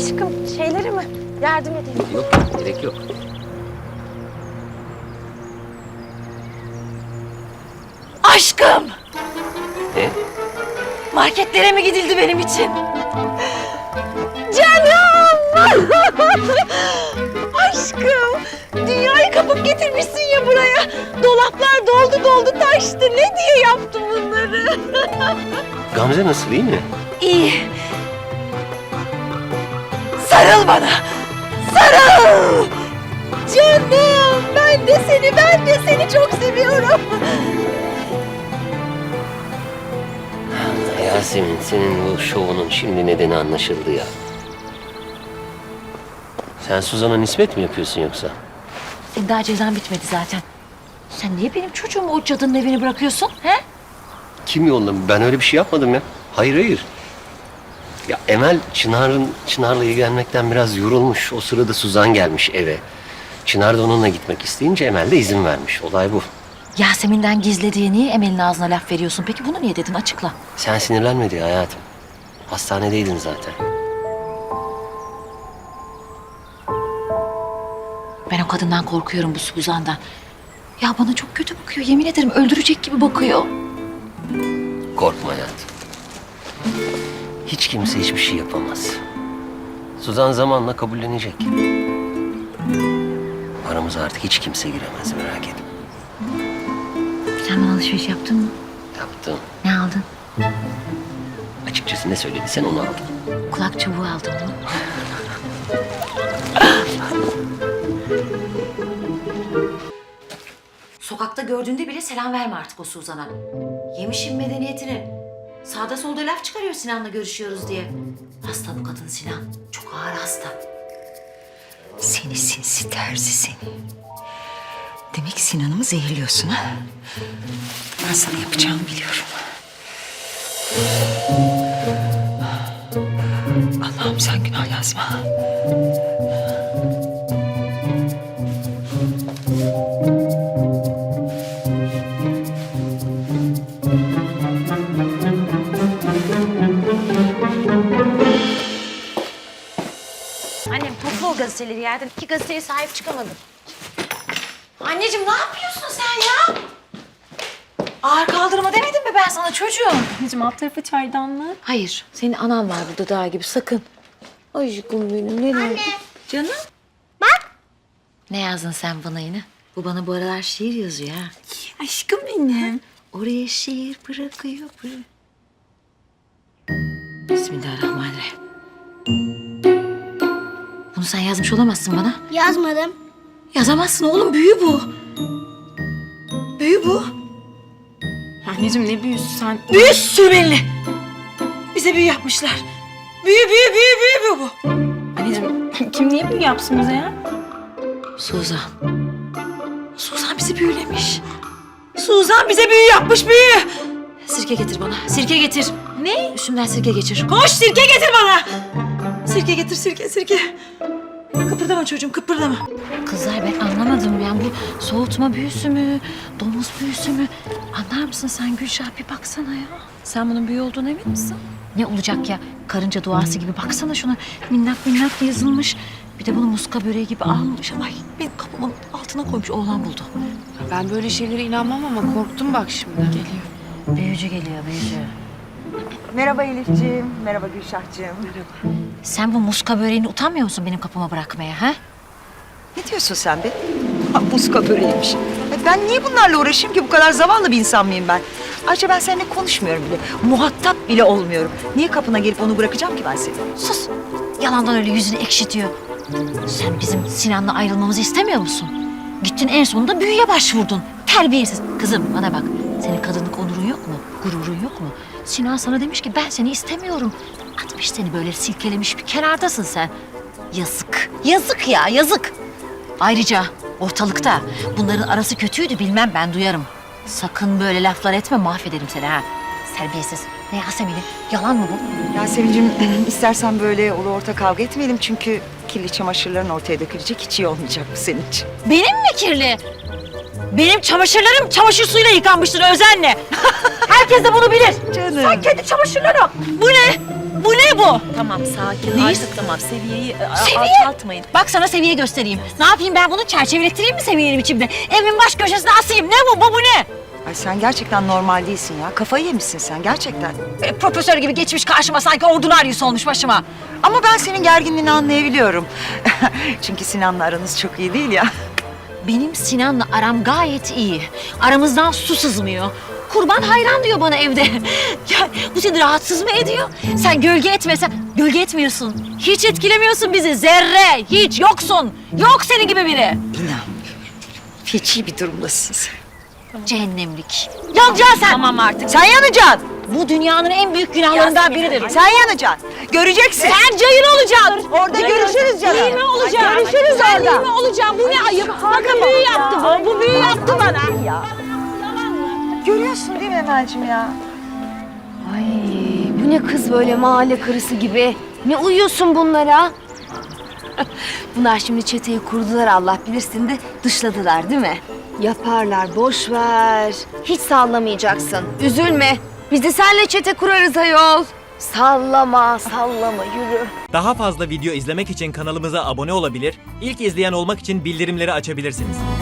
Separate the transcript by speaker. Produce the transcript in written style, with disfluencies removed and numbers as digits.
Speaker 1: Aşkım şeyleri mi? Yardım edeyim.
Speaker 2: Yok, gerek yok.
Speaker 1: Aşkım!
Speaker 2: Ne?
Speaker 1: Marketlere mi gidildi benim için? Canım! Aşkım! Dünyayı kapıp getirmişsin ya buraya. Dolaplar doldu taştı. Ne diye yaptın bunları?
Speaker 2: Gamze nasıl, iyi mi?
Speaker 1: İyi. Sarıl bana! Sarıl! Canım! Ben de seni çok seviyorum.
Speaker 2: Yasemin, senin bu şovunun şimdi nedeni anlaşıldı ya. Sen Suzan'a nispet mi yapıyorsun yoksa?
Speaker 1: Senin daha cezan bitmedi zaten. Sen niye benim çocuğumu o cadının evine bırakıyorsun? He?
Speaker 2: Kim yolladı? Ben öyle bir şey yapmadım ya. Hayır. Ya Emel Çınar'la ilgilenmekten biraz yorulmuş. O sırada Suzan gelmiş eve. Çınar da onunla gitmek isteyince Emel de izin vermiş. Olay bu.
Speaker 1: Yasemin'den gizli diye niye Emel'in ağzına laf veriyorsun? Peki bunu niye dedin? Açıkla.
Speaker 2: Sen sinirlenme diye hayatım. Hastanedeydin zaten.
Speaker 1: Ben o kadından korkuyorum, bu Suzan'dan. Ya bana çok kötü bakıyor. Yemin ederim öldürecek gibi bakıyor.
Speaker 2: Korkma hayatım. Hiç kimse hiçbir şey yapamaz. Suzan zamanla kabullenecek. Aramıza artık hiç kimse giremez, merak etme.
Speaker 1: Sen bana alışveriş yaptın mı?
Speaker 2: Yaptım.
Speaker 1: Ne aldın?
Speaker 2: Açıkçası ne söylediysen onu aldım.
Speaker 1: Kulak çubuğu aldım mı? Sokakta gördüğünde bile selam verme artık o Suzan'a. Yemişim medeniyetini. Sağda solda laf çıkarıyor Sinan'la görüşüyoruz diye. Hasta bu kadın Sinan. Çok ağır hasta.
Speaker 3: Seni sinsi terzi seni. Demek Sinan'ımı zehirliyorsun ha? Ben sana yapacağımı biliyorum. Allah'ım sen günah yazma.
Speaker 1: Annem topla o gazeteleri yerden. 2 gazeteye sahip çıkamadım. Anneciğim ne yapıyorsun sen ya? Ağır kaldırma demedim mi ben sana çocuğum?
Speaker 4: Anneciğim alt tarafı çaydanlığı.
Speaker 1: Hayır, senin anan var burada daha gibi sakın. Aşkım benim ne oldu? Canım. Bak. Ne yazdın sen bana yine? Bu bana bu aralar şiir yazıyor ha.
Speaker 4: Aşkım benim.
Speaker 1: Oraya şiir bırakıyor. Bismillahirrahmanirrahim. Bunu sen yazmış olamazsın bana.
Speaker 5: Yazmadım.
Speaker 1: Yazamazsın oğlum, büyü bu. Büyü bu.
Speaker 4: Anneciğim ne büyüsü sen.
Speaker 1: Büyü sürmeli. Bize büyü yapmışlar. Büyü bu.
Speaker 4: Anneciğim kim niye büyü yapsın bize ya?
Speaker 1: Suzan. Suzan bizi büyülemiş. Suzan bize büyü yapmış, büyü. Sirke getir bana, sirke getir. Ne? Üstümden sirke geçir. Koş, sirke getir bana. Sirke getir, sirke. Kıpırdama çocuğum, kıpırdama. Kızlar ben anlamadım yani bu soğutma büyüsü mü, domuz büyüsü mü? Anlar mısın sen Gülşah, bir baksana ya. Sen bunun büyü olduğuna emin misin? Ne olacak ya? Karınca duası gibi baksana şuna. Minnak yazılmış. Bir de bunu muska böreği gibi almış. Ay benim kapımın altına koymuş, oğlan buldu.
Speaker 4: Ben böyle şeylere inanmam ama korktum bak şimdi. Geliyor.
Speaker 1: Büyücü geliyor, büyücü.
Speaker 3: Merhaba Elifciğim, merhaba Gülşahcığım.
Speaker 1: Sen bu muska böreğini utanmıyor musun benim kapıma bırakmaya ha?
Speaker 3: Ne diyorsun sen be? Ha, muska böreğiymiş. Ben niye bunlarla uğraşayım ki? Bu kadar zavallı bir insan mıyım ben? Ayrıca ben seninle konuşmuyorum bile. Muhatap bile olmuyorum. Niye kapına gelip onu bırakacağım ki ben seni?
Speaker 1: Sus! Yalandan öyle yüzünü ekşitiyor. Sen bizim Sinan'la ayrılmamızı istemiyor musun? Gittin en sonunda büyüye başvurdun. Terbiyesiz. Kızım bana bak. Senin kadınlık onurun yok mu? Gururun yok mu? Sinan sana demiş ki ben seni istemiyorum. Atmış seni böyle silkelemiş, bir kenardasın sen. Yazık. Yazık ya, yazık. Ayrıca ortalıkta bunların arası kötüydü bilmem, ben duyarım. Sakın böyle laflar etme, mahvederim seni ha. Terbiyesiz. Ne Yasemin'i? Yalan mı bu?
Speaker 3: Yasemin'cim istersen böyle ulu orta kavga etmeyelim. Çünkü kirli çamaşırların ortaya dökülecek, hiç iyi olmayacak bu senin için.
Speaker 1: Benim mi kirli? Benim çamaşırlarım çamaşır suyuyla yıkanmıştır özenle. Herkes de bunu bilir.
Speaker 3: Canım.
Speaker 1: Sen kendi çamaşırlarım. Bu ne? Bu ne bu?
Speaker 5: Tamam sakin
Speaker 1: Neyiz?
Speaker 5: artık tamam seviyeyi
Speaker 1: Seviye?
Speaker 5: alçaltmayın.
Speaker 1: Bak sana seviye göstereyim. Ne yapayım ben bunu çerçevelettireyim mi seviyeli biçimde? Evimin baş köşesine asayım. Ne bu? Bu ne?
Speaker 3: Ay sen gerçekten normal değilsin ya. Kafayı yemişsin sen gerçekten.
Speaker 1: Profesör gibi geçmiş karşıma sanki ordunaryus olmuş başıma.
Speaker 3: Ama ben senin gerginliğini anlayabiliyorum. Çünkü Sinan'la aranız çok iyi değil ya.
Speaker 1: Benim Sinan'la aram gayet iyi. Aramızdan su sızmıyor. Kurban hayran diyor bana evde. Ya bu seni rahatsız mı ediyor? Sen gölge etmesen, gölge etmiyorsun. Hiç etkilemiyorsun bizi. Zerre, hiç yoksun. Yok senin gibi biri.
Speaker 3: İnanmıyorum. Feci bir durumdasın sen.
Speaker 1: Cehennemlik. Yanacaksın sen.
Speaker 5: Tamam artık.
Speaker 3: Sen yanacaksın.
Speaker 1: Bu dünyanın en büyük günahlarından biridir.
Speaker 3: Sen yanacaksın. Göreceksin.
Speaker 1: Sen cayır olacaksın.
Speaker 3: Orada görüşürüz canım.
Speaker 1: İyi mi olacağım?
Speaker 3: Görüşürüz
Speaker 1: Ben
Speaker 3: orada.
Speaker 1: iyi mi olacağım? Bu ne ayıp? Bakın büyü yaptı bu. Bu büyü yaptı bana.
Speaker 3: Ya. Görüyorsun değil mi Emel'cim ya?
Speaker 5: Ay bu ne kız böyle mahalle karısı gibi. Ne uyuyorsun bunlara? Bunlar şimdi çeteyi kurdular Allah bilirsin de dışladılar değil mi? Yaparlar boş ver. Hiç sallamayacaksın. Üzülme. Biz de seninle çete kurarız ayol. Sallama sallama yürü.
Speaker 6: Daha fazla video izlemek için kanalımıza abone olabilir, ilk izleyen olmak için bildirimleri açabilirsiniz.